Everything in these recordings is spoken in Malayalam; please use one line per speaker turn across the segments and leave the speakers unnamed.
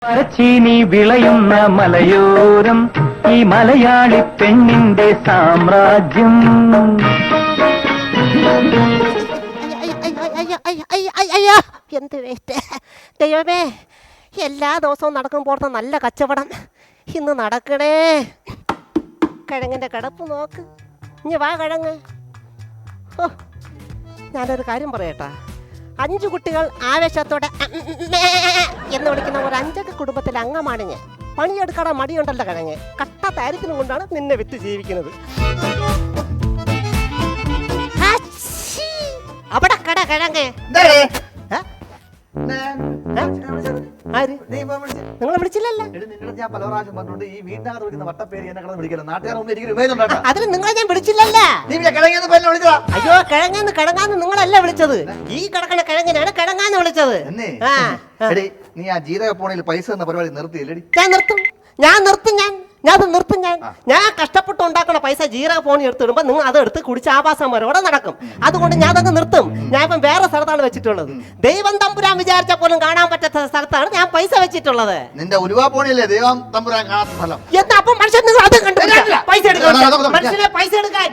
മരച്ചീനി വിളയുന്ന മലയോരം ഈ മലയാളി പെണ്ണിന്റെ സാമ്രാജ്യം.
എന്ത് വേസ്റ്റ് ദൈവമേ, എല്ലാ ദിവസവും നടക്കുമ്പോഴത്തെ നല്ല കച്ചവടം ഇന്ന് നടക്കണേ. കിഴങ്ങിൻ്റെ കിടപ്പ് നോക്ക്. ഇനി വാ കിഴങ്ങ്. ഓ, ഞാനൊരു കാര്യം പറയട്ടാ. 5 കുട്ടികൾ ആവേശത്തോടെ എന്ന് വിളിക്കുന്ന ഒരു 5 കുടുംബത്തിലെ അംഗമാണ് ഞാൻ. പണിയെടുക്കാതെ മടിയുണ്ടല്ലോ കിഴങ്ങ്. കട്ട ദാരിദ്ര്യം കൊണ്ടാണ് നിന്നെ വിറ്റ് ജീവിക്കുന്നത്. അവിടെ കട കിഴങ്ങ്. നിങ്ങളെ വിളിച്ചില്ലല്ലോ. അതിന് നിങ്ങളെ ഞാൻ വിളിച്ചില്ലല്ലോ. അയ്യോ, കിഴങ്ങാന്ന് കിഴങ്ങാന്ന് നിങ്ങളല്ല വിളിച്ചത്. ഈ കിടക്കണ കിഴങ്ങിനാണ് കിഴങ്ങാന്ന് വിളിച്ചത്.
നീ ആ ജീരക പോണയിൽ പൈസ എന്ന പരിപാടി നിർത്തിയില്ലടി?
ഞാൻ നിർത്തും. ഞാൻ കഷ്ടപ്പെട്ട് ഉണ്ടാക്കണ പൈസ ജീരക പോണി എടുത്തിടുമ്പോ നിങ്ങൾ അത് എടുത്ത് കുടിച്ച് ആവാസന്മാരോടെ നടക്കും. അതുകൊണ്ട് ഞാൻ അതങ്ങ് നിർത്തും. ഞാൻ ഇപ്പം വേറെ സ്ഥലത്താണ് വെച്ചിട്ടുള്ളത്. ദൈവം തമ്പുരാൻ വിചാരിച്ച പോലും കാണാൻ പറ്റാത്ത സ്ഥലത്താണ് ഞാൻ പൈസ വെച്ചിട്ടുള്ളത്.
നിന്റെ ഉലുവാ പോണിയല്ലേ ദൈവം തമ്പുരാൻ കാണാത്ത സ്ഥലം?
എന്താ അപ്പം മനുഷ്യൻ നിങ്ങൾ അത് കണ്ടു പൈസ എടുക്കാൻ മനുഷ്യനെ പൈസ എടുക്കാൻ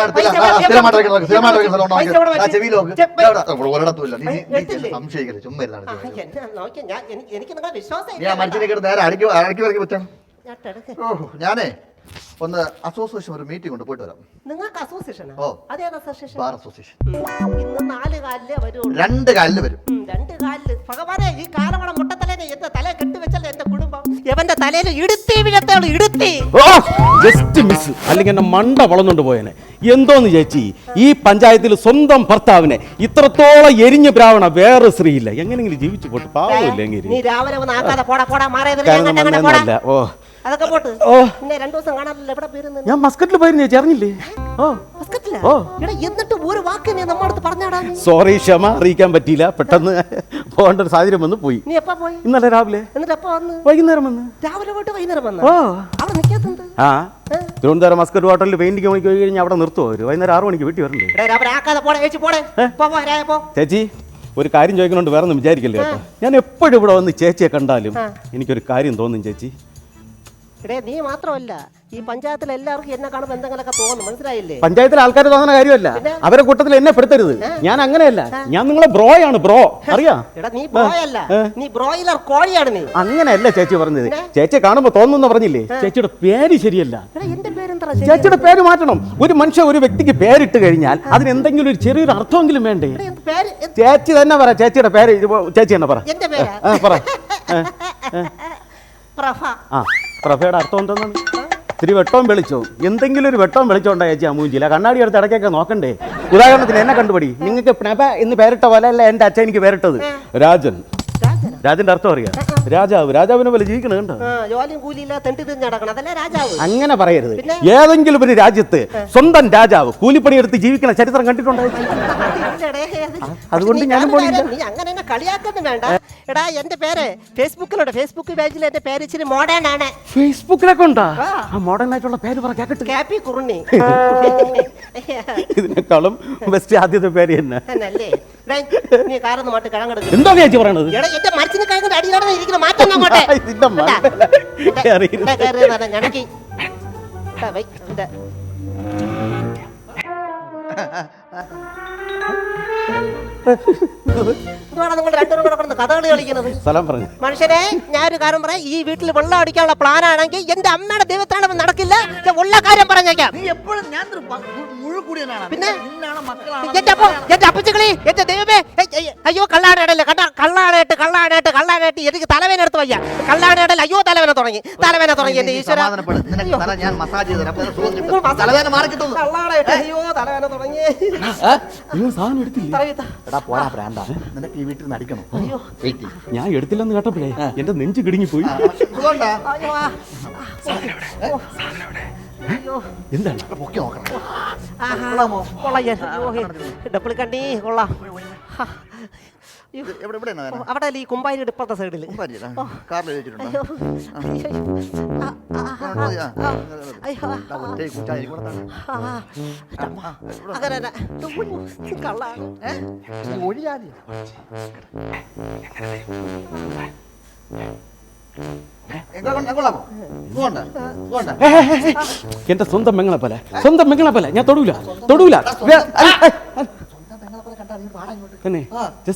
എനിക്ക് നിങ്ങളെ വിശ്വാസം.
ഞാനേ ഒന്ന് അസോസിയേഷൻ ഒരു മീറ്റിംഗ് കൊണ്ട് പോയിട്ട് വരാം.
നിങ്ങൾക്ക് അസോസിയേഷനാ?
ഓ,
അതേത് അസോസിയേഷൻ?
Bar association.
ഇന്ന് 4 കാലിലേ വരുള്ളൂ.
2 കാലില് വരും.
2 കാലില് ഭഗവാനെ, ഈ കാലമട മുട്ടത്തലേനെ എന്റെ തല കെട്ടിവെച്ചല്ലേ എന്റെ കുടുംബം. എവന്റെ തലയിൽ ഇടുത്തി വീഴത്തേളൂ, ഇടുത്തി.
ജസ്റ്റ് മിസ്, അല്ലെങ്കിൽ എന്നെ മണ്ട വളർന്നുകൊണ്ട് പോയനെ. എന്തോന്ന് ചേച്ചി, ഈ പഞ്ചായത്തിൽ സ്വന്തം ഭർത്താവിനെ ഇത്രത്തോളം എരിഞ്ഞു ബ്രാവണ വേറെ സ്ത്രീയില്ല. എങ്ങനെങ്കിലും ജീവിച്ചു പോട്ട്, പാവമില്ല.
നീ രാവിലെ ഒന്ന് ആക്കാതെ പോടാ മാറിയതില്ല.
ഓ,
അതൊക്കെ പോട്ട്. പിന്നെ 2 ദിവസം കാണാനില്ല. എവിടെ പോയിരുന്നു?
ഞാൻ മസ്കറ്റിൽ പോയിരുന്നു ചേച്ചി, അറിഞ്ഞില്ലേ?
എന്നിട്ട് ഒരു വാക്ക് നീ നമ്മടുത്ത് പറഞ്ഞാടാ.
സോറി, ക്ഷമ അറിയിക്കാൻ പറ്റിയില്ല. പെട്ടെന്ന് പോകേണ്ട ഒരു സാഹചര്യം വന്ന് പോയി.
നീ എപ്പോ പോയി?
ഇന്നലെ രാവിലെ.
എന്നിട്ട് എപ്പോ വന്നു?
വൈകുന്നേരം വന്ന്.
രാവിലെ പോയിട്ട് വൈകുന്നേരം വന്നു. അവിടെ നിൽക്കാത്തത്?
ആ, തിരുവനന്തപുരം മസ്കറ്റ് ഹോട്ടലിൽ പെയിന്റിങ് മണിക്ക് പോയി കഴിഞ്ഞാൽ അവിടെ നിർത്തുമോ? ഒരു വൈകുന്നേരം 6 മണിക്ക് വീട്ടിൽ വരണ്ടേ? ചേച്ചി, ഒരു കാര്യം ചോദിക്കണോണ്ട് വേറെ ഒന്നും വിചാരിക്കല്ലേ കേട്ടോ. ഞാൻ എപ്പോഴും ഇവിടെ വന്ന് ചേച്ചിയെ കണ്ടാലും എനിക്കൊരു കാര്യം തോന്നും ചേച്ചി.
നീ മാത്രമല്ല, ഈ പഞ്ചായത്തിൽ എല്ലാവർക്കും എന്നെ കാണുമ്പോൾ എന്തെങ്കിലുമൊക്കെ തോന്നും. മനസ്സിലായില്ലേ?
പഞ്ചായത്തിലെ ആൾക്കാർ തോന്നുന്ന കാര്യമല്ല. അവരെ കൂട്ടത്തിൽ എന്നെ പെടുത്തരുത്. ഞാൻ അങ്ങനെയല്ല. ഞാൻ നിങ്ങളെ ബ്രോയാണ്. ബ്രോ അറിയാ?
നീ ബ്രോയല്ല, നീ ബ്രോയിലർ കോഴിയാണ്. നീ
അങ്ങനെയല്ല ചേച്ചി പറഞ്ഞത്. ചേച്ചിയെ കാണുമ്പോ തോന്നുന്നു പറഞ്ഞില്ലേ? ചേച്ചിയുടെ പേര് ശരിയല്ല. ചേച്ചിയുടെ പേര് മാറ്റണം. ഒരു മനുഷ്യ ഒരു വ്യക്തിക്ക് പേരിട്ട് കഴിഞ്ഞാൽ അതിന് എന്തെങ്കിലും ഒരു ചെറിയൊരു അർത്ഥമെങ്കിലും വേണ്ടേ? ചേച്ചി തന്നെ പറ. ചേച്ചിയുടെ പേര് ചേച്ചി തന്നെ പറ. പറ. പ്രഭയുടെ അർത്ഥം എന്തെന്നാണ്? ഇത്തിരി വെട്ടവും വെളിച്ചവും, എന്തെങ്കിലും ഒരു വെട്ടവും വെളിച്ചോണ്ടാ ചേച്ചി ആ മൂഞ്ചില്ല. കണ്ണാടി എടുത്ത് ഇടയ്ക്കൊക്കെ നോക്കണ്ടേ? ഉദാഹരണത്തിന് എന്നെ കണ്ടുപിടി. നിങ്ങൾക്ക് പ്രഭ എന്ന് പേരിട്ട പോലെ അല്ല എൻ്റെ അച്ഛൻ എനിക്ക് പേരിട്ടത്. രാജൻ. രാജന്റെ അർത്ഥം അറിയാം? രാജാവ്. രാജാവിനെ പോലെ ജീവിക്കണം കണ്ടോ? അങ്ങനെ പറയരുത്. ഏതെങ്കിലും ഒരു രാജ്യത്ത് സ്വന്തം രാജാവ് കൂലിപ്പണിയെടുത്ത് ജീവിക്കണ ചരിത്രം കണ്ടിട്ടുണ്ടോ? അതുകൊണ്ട് ഞാനും പോണില്ല.
എന്റെ പേര് ഫേസ്ബുക്കിലുണ്ട്. ഫേസ്ബുക്ക് പേജിൽ എന്റെ പേര് ഇച്ചിരി മോഡേൺ ആണ്.
ഫേസ്ബുക്കിലൊക്കെ ഉണ്ടാ? ആ മോഡേൺ ആയിട്ടുള്ള പേര് പറ കേട്ടിട്ട്.
കാപ്പി കുറുണി.
ഇതിനേക്കാളും ബെസ്റ്റ് ആദ്യത്തെ പേര് തന്നെ.
നീ കാറൊന്ന് മാറ്റി കിഴങ്ങെടുക്കും.
എന്താ ചേച്ചി പറയണത്?
എന്റെ മരത്തിന് കിഴങ്ങിന്റെ അടിയിലാണ് ഇരിക്കുന്ന. മാറ്റം അങ്ങോട്ടെ. കഥകളി കളിക്കുന്നത് മനുഷ്യരെ. ഞാനൊരു കാര്യം പറയാം. ഈ വീട്ടിൽ വെള്ളം അടിക്കാനുള്ള പ്ലാൻ ആണെങ്കിൽ എന്റെ അമ്മയുടെ ദൈവത്തിനാണ് നടക്കില്ല. ഉള്ള കാര്യം പറഞ്ഞേക്കാം. പിന്നെ എന്റെ അപ്പച്ചകളി, എന്റെ ദൈവമേ, അയ്യോ കള്ളാടല്ലേ കണ്ട. കള്ളാടായിട്ട് എനിക്ക് തലവേന എടുത്ത് വയ്യ. കള്ളാടല്ല. അയ്യോ തലവേന തുടങ്ങി എന്റെ ഈശ്വര. അയ്യോ തലവേന തുടങ്ങി.
ഞാൻ എടുത്തില്ലെന്ന് കേട്ടപ്പോഴേ എന്റെ നെഞ്ച് കിടുങ്ങിപ്പോയി. എന്താണ്?
ഡപ്പിളിക്കണ്ടി കൊള്ളാം. അവിടെ ഈ കുമ്പാരിയുടെ ഇപ്പുറത്തെ സൈഡിൽ
കൊള്ളാമോ? ഇങ്ങോട്ട്, ഇങ്ങോട്ട്.
എന്റെ സ്വന്തം മെങ്ങളെ പോലെ ഞാൻ തൊടൂല
സ്വന്തം പെങ്ങളെ പോലെ കണ്ടാ നീ പാടാ ഇങ്ങോട്ട്.
തന്നെ
ആ.